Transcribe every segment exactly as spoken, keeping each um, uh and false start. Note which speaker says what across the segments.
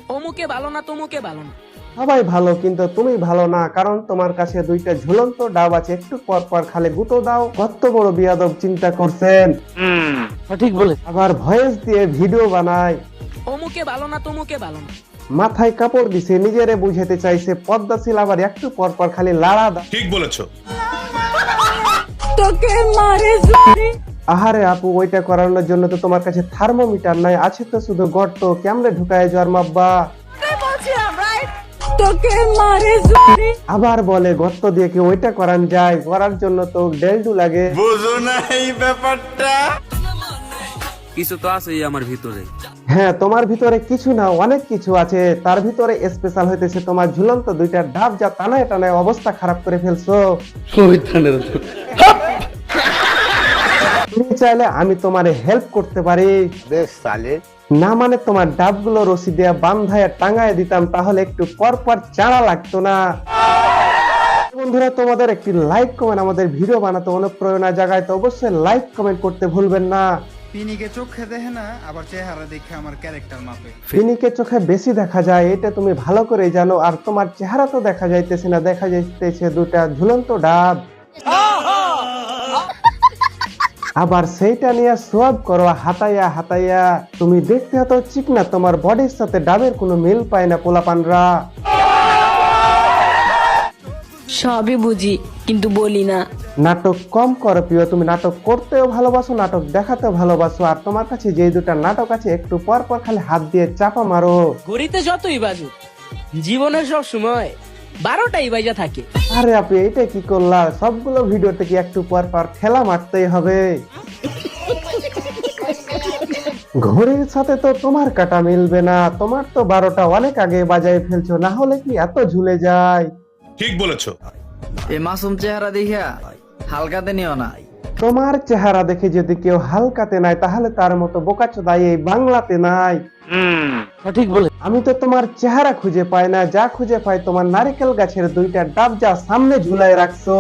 Speaker 1: অমুকে ভালো না তমুকে ভালো না।
Speaker 2: সবাই ভালো কিন্তু তুমি ভালো না, কারণ তোমার কাছে দুইটা ঝুলন্ত ডাব আছে, একটু পর পর খালি গুঁতো দাও। কত বড় বিয়াদব চিন্তা করছেন।
Speaker 3: সঠিক বলে।
Speaker 2: আবার ভয়েস দিয়ে ভিডিও বানায়।
Speaker 1: অমুকে ভালো না তমুকে ভালো না।
Speaker 2: মাথায় কাপড় দিছে, নিজেরে বুঝাতে চাইছে পদ্মাশীল, আবার একটু পর পর খালি লাড়া দাও।
Speaker 4: ঠিক বলেছো।
Speaker 1: তোকে মারে জোরে।
Speaker 2: আহারে আপু, ওইটা করানোর জন্য তো তোমার কাছে থার্মোমিটার নাই, আছে তো শুধু গর্ত, কেমনে ঢুকায় যাওয়ার মাব্বা।
Speaker 1: তোকে মারে জোরে।
Speaker 2: আবার বলে গর্ত দিয়ে কি ওইটা করান যায়? করার জন্য তো ডেলডু লাগে।
Speaker 4: বুঝো না এই ব্যাপারটা।
Speaker 3: কিছু তো আছে আমার ভিতরে।
Speaker 2: হ্যাঁ, তোমার ভিতরে কিছু না অনেক কিছু আছে। তার ভিতরে স্পেশাল হইতেছে তোমার ঝুলন্ত দুইটা ডাব, যা টানায় টানায় অবস্থা খারাপ করে ফেলছো। তুমি চাইলে আমি তোমারে হেল্প করতে পারি।
Speaker 5: বেশ সালে
Speaker 2: না মানে তোমার ডাবগুলো রশি দিয়ে বান্ধায় টাঙায় দিতাম, তাহলে একটু পর পর চাড়া লাগতো না। বন্ধুরা, তোমাদের একটি লাইক কমেন্ট আমাদের ভিডিও বানাতে অনুপ্রেরণা জাগায়, তো অবশ্যই লাইক কমেন্ট করতে ভুলবেন না।
Speaker 6: পিনিকে চোখে দেখে না, আবার চেহারা দেখে আমার ক্যারেক্টার মাপে।
Speaker 2: ফিনিকে চোখে বেশি দেখা যায়, এটা তুমি ভালো করে জানো। আর তোমার চেহারা তো দেখা যাইতেছে না, দেখা যাইতেছে দুটা ঝুলন্ত ডাব। আবার সেইটা নিয়ে সোয়াব করো হাতাইয়া হাতাইয়া। তুমি দেখতে এত চিকনা, তোমার বডির সাথে ডাবের কোনো মিল পায় না পোলাপানরা।
Speaker 7: সবই বুঝি কিন্তু বলি না।
Speaker 2: নাটক কম করো প্রিয়, তুমি নাটক করতেও ভালোবাসো, নাটক দেখাতেও ভালোবাসো। আর তোমার কাছে যে দুটা নাটক আছে, একটু পর পর খালি হাত দিয়ে চাপা মারো।
Speaker 1: ঘড়িতে যতই বাজুক, জীবনে সব সময় বারোটাই বাজা থাকে।
Speaker 2: আরে আপনি এটা কি করলা? সবগুলো ভিডিওতে কি একটু পর পর ঠেলা মারতেই হবে? ঘড়ির সাথে তো তোমার কাটা মিলবে না, তোমার তো বারোটা অনেক আগে বাজায় ফেলছো, না হলে কি এত ঝুলে যায়?
Speaker 4: ঠিক বলেছো।
Speaker 8: এই মাসুম চেহারা দেখিয়া হালকাতে নিও না।
Speaker 2: তোমার চেহারা দেখে যদি কেউ হালকাতে নাই, তাহলে তার মতো বোকাচোদা এই বাংলাতে নাই।
Speaker 3: সঠিক বলে।
Speaker 2: আমি তো তোমার চেহারা খুঁজে পাই না, যা খুঁজে পাই তোমার নারকেল গাছের দুইটা ডাব, যা সামনে ঝুলাই রাখছো।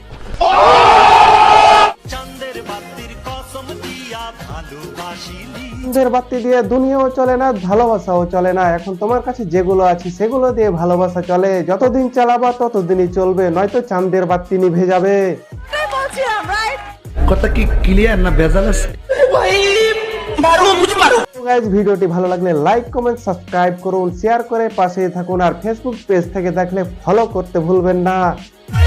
Speaker 2: চাঁদের বাতি দিয়ে দুনিয়াও চলে না, ভালোবাসাও চলে না। এখন তোমার কাছে যেগুলো আছে সেগুলো দিয়ে ভালোবাসা চলে। যতদিন চালাবা ততদিনই চলবে, নয়তো চাঁদের বাতি নিভে যাবে।
Speaker 5: কথা কি ক্লিয়ার না ভেজাল আছে?
Speaker 2: গাইস, ভিডিওটি ভালো লাগলে লাইক কমেন্ট সাবস্ক্রাইব করুন, শেয়ার করে পাশে থাকুন। আর ফেসবুক পেজ থেকে দেখলে ফলো করতে ভুলবেন না।